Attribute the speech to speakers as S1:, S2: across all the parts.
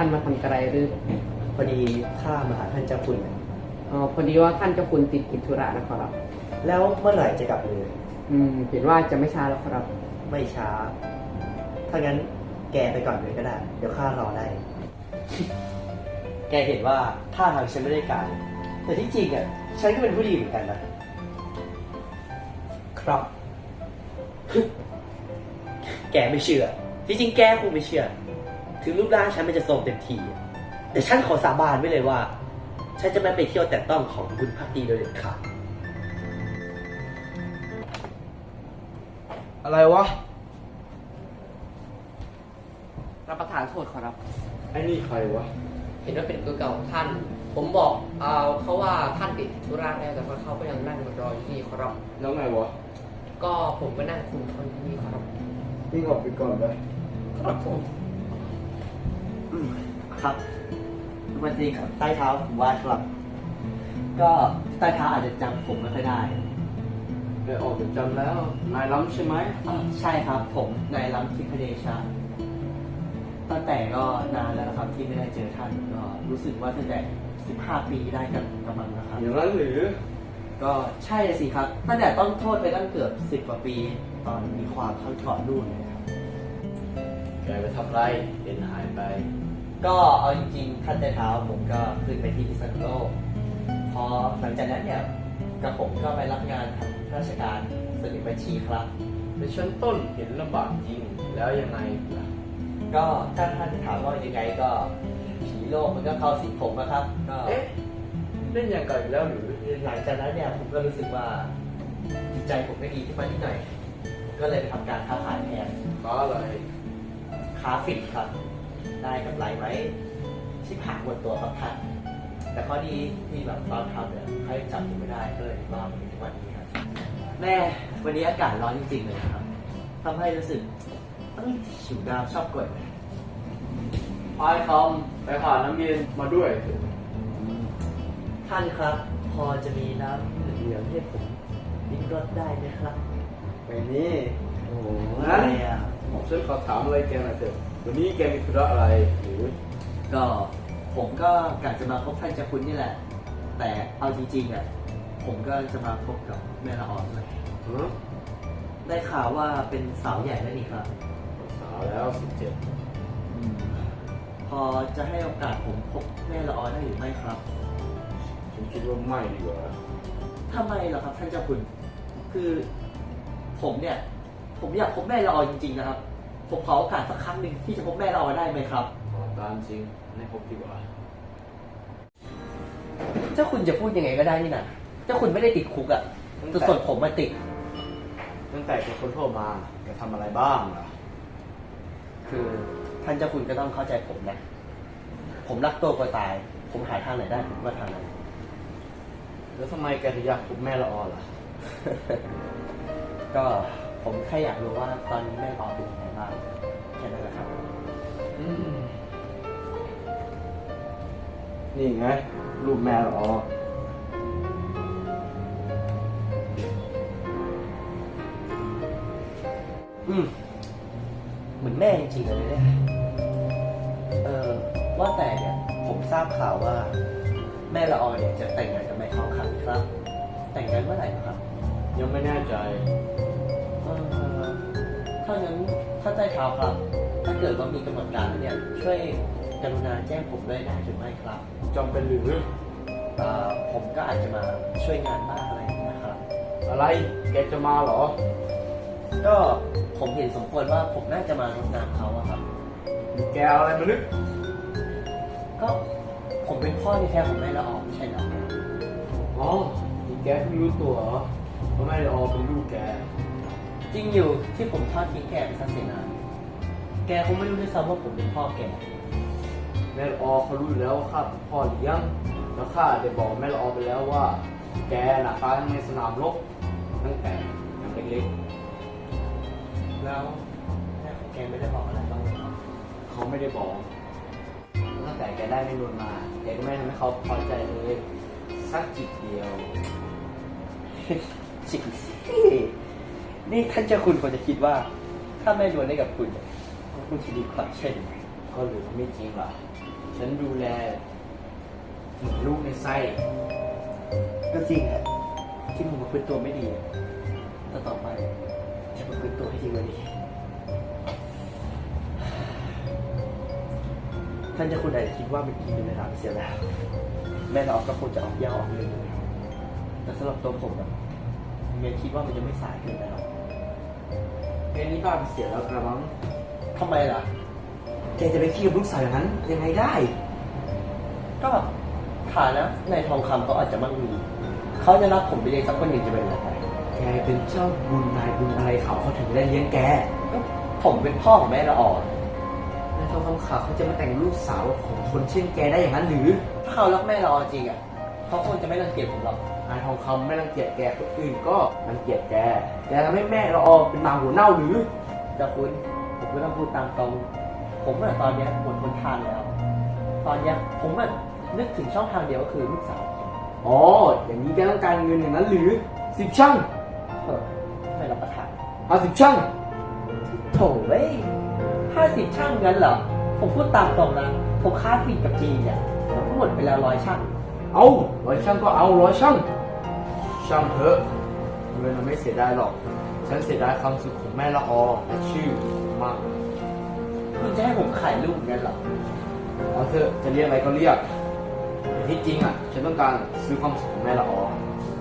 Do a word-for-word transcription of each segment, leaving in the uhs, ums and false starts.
S1: มาทำอะไรหรือ
S2: พอดีข้ามาหาท่านเจ้าคุณ
S1: อ๋อพอดีว่าท่านเจ้าคุณติดกิจธุระนะครับ
S2: แล้วเมื่อไหร่จะกลับเลย
S1: อืมเห็นว่าจะไม่ช้าแล้วครับ
S2: ไม่ช้าถ้างั้นแกไปก่อนเลยก็ได้เดี๋ยวข้ารอได้ แกเห็นว่าท่าทางฉันไม่ได้การแต่ที่จริงอ่ะฉันก็เป็นผู้ดีเหมือนกันนะครับแกไม่เชื่อที่จริงแกคงไม่เชื่อถึงรูปร่างฉันมันจะโทรมเต็มทีแต่ฉันขอสาบานไว้เลยว่าฉันจะไม่ไปเที่ยวแต่ต้องของคุณพักดีโดยเด็ดขาด
S3: อะไรวะ
S1: รับประทานโทษครับ
S3: ไอ้นี่ใครวะ
S1: เห็นว่าเป็นตัวเก่าท่านผมบอกเอาเขาว่าท่านติดธุระแล้วแต่ว่าเขาก็ยังนั่งรออยู่ที่ครับ
S3: แล้วไงวะ
S1: ก็ผมก็นั่งคุมคนที่นี่ครับ
S3: นี่ออกไปก่อนไป
S1: ครับผม
S2: ครับวันนี้ครับใต้เท้าผมว่าครับก็ใต้เท้าอาจจะจำผมไม่ค่อยได้
S3: ไปออกจากจำแล้วนายล้ำใช่ไหม
S2: ใช่ครับผมนายล้ำทิพเดชาตั้งแต่ก็นานแล้วนะครับที่ไม่ได้เจอท่านก็รู้สึกว่าตั้งแต่สิบห้าปีได้กันกำลังนะครับ
S3: อย่างนั้นหรือ
S2: ก็ใช่สิครับตั้งแต่ต้องโทษไปตั้งเกือบสิบกว่าปีตอนมีความเข้าก่อนนู่นเลยครับ
S3: แกไปทำไรเห็นหายไป
S2: ก็เอาจริงๆท่านใต้เท้าผมก็ขึ้นไปที่พิษณุโลกพอหลังจากนั้นเนี่ยกับผมก็ไปรับงานทำราชการสนิทบัญชีครับ
S3: ในชั้นต้นเห็นลำบากจริงแล้วยังไงล่ะ
S2: ก็ถ้าท่านถามว่ายังไงก็ผีโลกมันก็เข้าสิงผมนะครับก็
S3: เอ๊ะเล่นอย่างไกลแล้วหรือ
S2: หลังจากนั้นเนี่ยผมก็รู้สึกว่าจิตใจผมไม่ดีขึ้นมานิดหน่อยก็เลยไปทำการค้าขายแทน
S3: ค้าอะไร
S2: ค้าฝิ่นครับได้กำไรไว้ชิบหายหมดตัวครับท่านแต่ข้อดีที่แบบตอนทำเนี่ยใครจับผมไม่ได้ก็เลยรอดมาถึงวันนี้ครับแม่วันนี้อากาศร้อนจริงๆเลยครับทำให้รู้สึกหิวน้ำชอบกด
S3: พายคำไปหาน้ำเย็นมาด้วย
S2: ท่านครับพอจะมีน้ำเหลืองให้ผมลิ้มรสได้ไหมครับ
S3: ไม่นี่
S2: โอ้โห
S3: งั้นฉันขอถามอะไรแกหน่อยเถอะวันนี้แกมีธุระอะไรหรือ
S2: ก็ผมก็กะจะมาพบท่านเจ้าคุณนี่แหละแต่เอาจริงๆอ่ะผมก็จะมาพบกับแม่ละออนเลยได้ข่าวว่าเป็นสาวใหญ่แล้วนี่ครับ
S3: สาวแล้วสิบเจ็ด
S2: พอจะให้โอกาสผมพบแม่ละออนได้หรือไม่ครับ
S3: ฉันคิดว่าไม่ดีกว่า
S2: ทำไมล่ะครับท่านเจ้าคุณคือผมเนี่ยผมอยากพบแม่ละออนจริงๆนะครับผมขอโอกาสสักครั้งหนึ่งที่จะพบแม่ละออนได้ไหมครับ
S3: ขอตามจริงให้พบดีกว่า
S2: เจ้าคุณจะพูดยังไงก็ได้นี่นะเจ้าคุณไม่ได้ติดคุกอ่ะแต่ส่วนผมมาติด
S3: ตั้งแต่เป็นคนโทษมาจะทำอะไรบ้างล่ะ
S2: คือท่านเจ้าคุณก็ต้องเข้าใจผมนะผมรักตัวกว่าตายผมหาทางไหนได้ผมก็ทางนั้น
S3: แล้วทำไมแกถึงอยากพบแม่ละออล่ะ
S2: ก็ผมแค่อยากรู้ว่าตอนนี้แม่ละออเป็นยังไงบ้างแค่นั้นแหละครับ
S3: นี่ไงรูปแม่ละออ
S2: อืมเหมือนแม่จริงๆเลยเนี่ยเออว่าแต่เนี่ยผมทราบข่าวว่าแม่ละออเนี่ยจะแต่งงานกับนายทองคำครับ แต่งงานเมื่อไหร่ครับ
S3: ยังไม่แน่ใจ
S2: เออถ้างั้นถ้าใจเท้าครับถ้าเกิดว่ามีกำหนดการเนี่ยช่วยกรุณาแจ้งผมด้วยได้หรือไม่ครับ
S3: จำเป็นหรือ
S2: เออผมก็อาจจะมาช่วยงานบ้างอะไรนะครับ
S3: อะไรแกจะมาเหรอ
S2: ก็ผมเห็นสมควรว่าผมน่าจะมารดน้ำเขาอะครับ
S3: แกเอาอะไรมานึก
S2: ก็ผมเป็นพ่อที่แท้ของแม่ละออไม่ใช่เหรอ
S3: อ๋อนี่แกเพิ่งรู้ตัวเหรอว่าแม่ละออเป็นลูกแก
S2: จริงอยู่ที่ผมทอดทิ้งแกไปซะเสียนานแกคงไม่รู้ด้วยซ้ำว่าผมเป็นพ่อแก
S3: แม่ละออเขารู้อยู่แล้วว่าข้าเป็นพ่อเลี้ยงแล้วข้าได้บอกแม่ละออไปแล้วว่าแกน่ะตายในสนามรบตั้งแต่ยังเล็ก
S2: ๆแล้วแม่ของแกไม่ได้บอกอะไรบ้างเลยครับ
S3: เขาไม่ได้บอกตั้งแต่แกได้ไม่นวลมาแกก็ไม่ทำให้เขาพอใจเลยสักจิตเดียว
S2: จริงสินี่ท่านเจ้าคุณควรจะคิดว่าถ้าแม่นวลได้กับคุณก็คงจะดีกว่าเช่น
S3: ก็หรือไม่จริงล่ะฉันดูแลเหมือนลูกในไส้
S2: ก็จริงฮะที่ผมมาพึ่ตัวไม่ดีแต่ต่อไปจะมาพึ่ตัวให้ดีกว่านี้ท่านเจะคุณอาจจะคิดว่ามันกินเป็นเวลาไปเสียแล้วแม่เราก็คงจะออกยาออกเลยแต่สำหรับตัวผมอะเมียคิดว่ามันจะไม่สายเกินไปหรอก
S3: แค่นี้บ้าไปเสียแล้วกระมัง
S2: ทำไมล่ะ
S3: แกจะไปขี้กับลูกสาวอย่างนั้นยังไงได้
S2: ก็ฐานะในทองคำเขาอาจจะมั่งมีเขาจะรับผมไปเลี้ยงสักคนหนึ่งจะเป็นอะไรไป
S3: แกเป็นเจ้าบุญนายบุญอะไรเขาเขาถึงได้เลี้ยงแก
S2: ก็ผมเป็นพ่อของแม่ละอ่อน
S3: นายทองคำขาวเขาจะมาแต่งลูกสาวของคนเช่นแกได้อย่างนั้นหรือ
S2: ถ้าเขารักแม่ละอ่อนจริงอ่ะเขาคงจะไม่รังเกียจผมหรอก
S3: นายทองคำไม่รังเกียจแกคนอื่นก็รังเกียจแกแกทำให้แม่เราออกเป็นหมาหัวเน่าหรือ
S2: แต่คุณผมก็ต้องพูดตามตรง ผมอะตอนเนี้ยหมดหนทางแล้ว ตอนเนี้ยผมอะนึกถึงช่องทางเดียวก็คือลูกสาว
S3: อ๋ออย่างนี้แกต้องการเงินอย่างนั้นหรือสิบช่าง
S2: เออไม่รับประทาน
S3: เอาสิบช่าง
S2: โถ่เว้ยห้าสิบช่างงั้นเหรอ ผมพูดตามตรงนะ ผมค้าฟีกับจีนเนี่ยผมก็หมดไปแล้วร้อยช่าง
S3: เอาร้อยช่างก็เอาร้อยช่างช่างเถอะเงินมันไม่เสียดายหรอก ฉันเสียดายความสุขของแม่ละออและชื่อมาก
S2: คุณจะให้ผมขายลูกงั้นเหรอ
S3: เอาเถอะจะเรียกอะไรก็เรียกแต่ที่จริงอ่ะ ฉันต้องการซื้อความสุขของแม่ละออ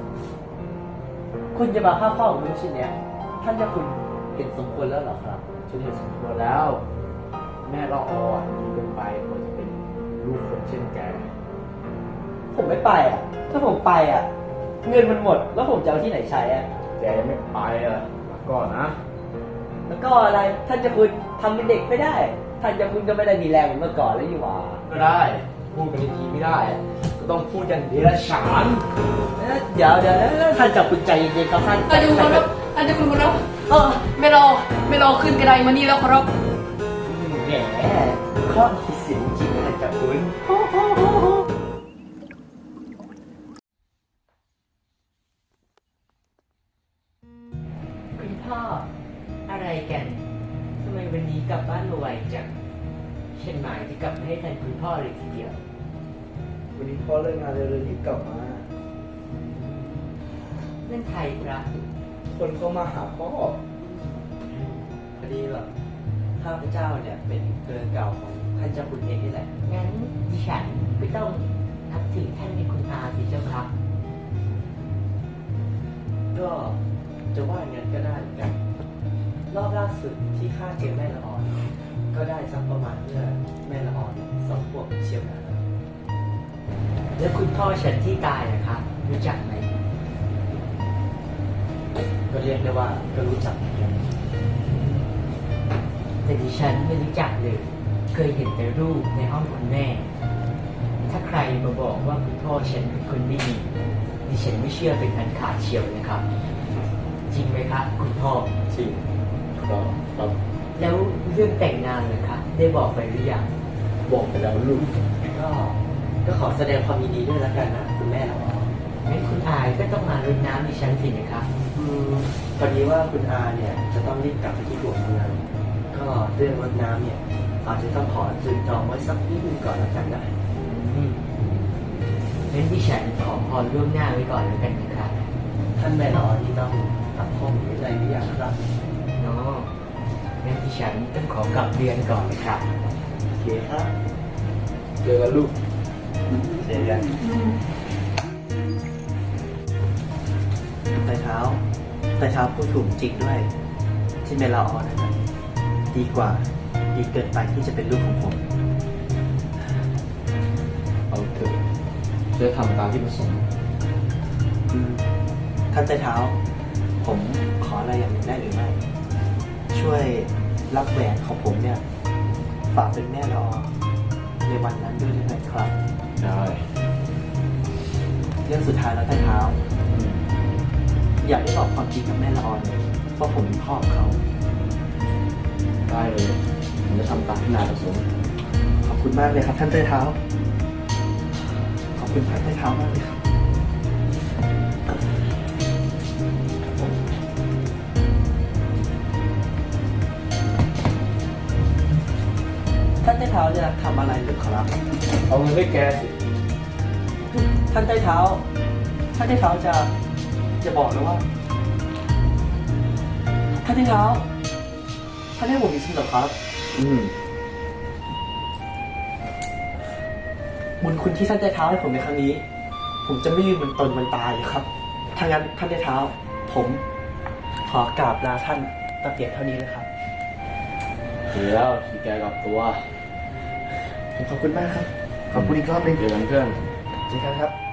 S2: คุณจะมาฆ่าพ่อของลูกชิ้นเนี้ยท่านเจะคุณเห็นสมควรแล้วเหรอครับ
S3: ฉันเห็นสมควรแล้ว แม่ละออดีเกินไปกว่าจะเป็นลูกคนเช่นแก
S2: ผมไม่ไปอ่ะ ถ้าผมไปอ่ะ เงินมันหมด แล้วผมจะเอาที่ไหนใช้อ่ะ
S3: แกยังไม่ไปอ่ะมาก่อนนะ
S2: แล้วก็อะไร ท่านเจะคุณทำเป็นเด็กไม่ได้ ท่านเจะคุณก็ไม่ได้มีแรงเหมือนเมื่อก่อนแล้วอยู่หว่า
S3: ก็ได้ พูดกันทีไม่ได้ ก็ต้องพูดกันเดรัจฉาน
S2: เอ๊ะเดี๋ยวเดี๋ยวแล้วท่านเจะคุณใจเย็นๆครับท่าน
S1: อาจจะคุณครับอาจจะคุณครับเออไม่รอไม่รอขึ้นกระไดมานี่แล้วครับ
S2: แหมข้อมีเสียงจริงนะท่านเจะคุณ
S4: คุณพ่ออะไรกัน ทำไมวันนี้กลับบ้านมาไวจังฉันหมายจะกลับมาให้ทันคุณพ่อเลยทีเดียว
S3: วันนี้พ่อเลิกงานเลยรีบกลับมา
S4: นั่นใครครับ
S3: คนเข้ามาหาพ่อ
S2: พอดีแบบข้าพเจ้าเนี่ยเป็นเกลือเก่าของท่านเจ้าคุณเองนี่แหละ
S4: งั้นดิฉันก็ต้องนับถือท่านเป็นคุณอาสิเจ้าครับ
S2: ก็จะว่าอย่างนั้นก็ได้เหมือนกัน รอบล่าสุดที่ข้าเจอแม่ละอ่อน ก็ได้สักประมาณเมื่อแม่ละอ่อนสองขวบเชียวนะ
S4: แล้วคุณพ่อฉันที่ตายนะครับ รู้จักไหม
S2: ก็เรียกได้ว่าก็รู้จักเหมือนกัน
S4: แต่ดิฉันไม่รู้จักเลย เคยเห็นแต่รูปในห้องคุณแม่ ถ้าใครมาบอกว่าคุณพ่อฉันเป็นคนไม่ดีดิฉันไม่เชื่อเป็นอันขาดเชียวนะครับ จริงไหมครับคุณพ่อ
S3: จริงก็ครับ
S4: แล้วเรื่องแต่งงานนะครับได้บอกไปหรือยัง
S3: บอกไปแล้วลูก
S2: ก็ก็ขอแสดงความยินดีด้วยแล้วกันนะคุณแม่ละอ่อน
S4: งั้นคุณอายก็ต้องมารดน้ำดิฉันสินะครับ
S2: อืมพอดีว่าคุณอาเนี่ยจะต้องรีบกลับไปที่ตัวเมืองก็เรื่องรดน้ำเนี่ยอาจจะต้องขอจุดจองไว้สักนิดนึงก่อนแล้วกันนะ
S4: อืมงั้นดิฉันขอพรล่วงหน้าไว้ก่อนแล้วกันนะครับ
S2: ท่านแม่ละอ่อนที่ต้องตัดผมหรืออะไรหรือยังครับ
S4: เนาะงั้นดิฉันต้องขอกลับเรียนก่อนนะครับ
S2: โอเคครับ
S3: เจอกันลูก
S2: เจอกันไต่เท้าไต่เท้าพูดถูกจริงด้วย ที่แม่ละอ่อนนะครับดีกว่าดีเกินไปที่จะเป็นลูกของผม
S3: เอาเถอะจะทำตามที่ประสงค์
S2: อืมท่านไต่เท้า ผมขออะไรอย่างหนึ่งได้หรือไม่ ช่วยรับแหวนของผมเนี่ย ฝากเป็นแม่ละออในวันนั้นด้วยได้ไหมครับ
S3: ได้
S2: เรื่องสุดท้ายแล้วท่านเท้า อยากได้บอกความจริงกับแม่ละออนเลยว่าผมเป็นพ่อของเขา
S3: ได้เลยผมจะทำตามที่นายประสงค์
S2: ขอบคุณมากเลยครับท่านไต่เท้า ขอบคุณท่านไต่เท้ามากเลยครับ ท่านไต่เท้าท้าจะทำอะไรหรือครับ
S3: เอาเงินให้แกสิ
S2: ท่านใต้เท้า ท่านใต้เท้าจะจะบอกนะว่า ท่านใต้เท้า ท่านให้ผมจริงๆเหรอครับ
S3: อืม
S2: บุญคุณที่ท่านใต้เท้าให้ผมในครั้งนี้ ผมจะไม่ลืมมันตนมันตายเลยครับถ้างั้นท่านใต้เท้า ผมขอกราบลาท่านตะเพียงเท่านี้เลยครับ
S3: ดีแล้วที่แกกลับตัว
S2: ผมขอบคุณมากครับ ขอบคุณอีกรอบหนึง
S3: เจอกันเพื่อน
S2: เจอกันครับ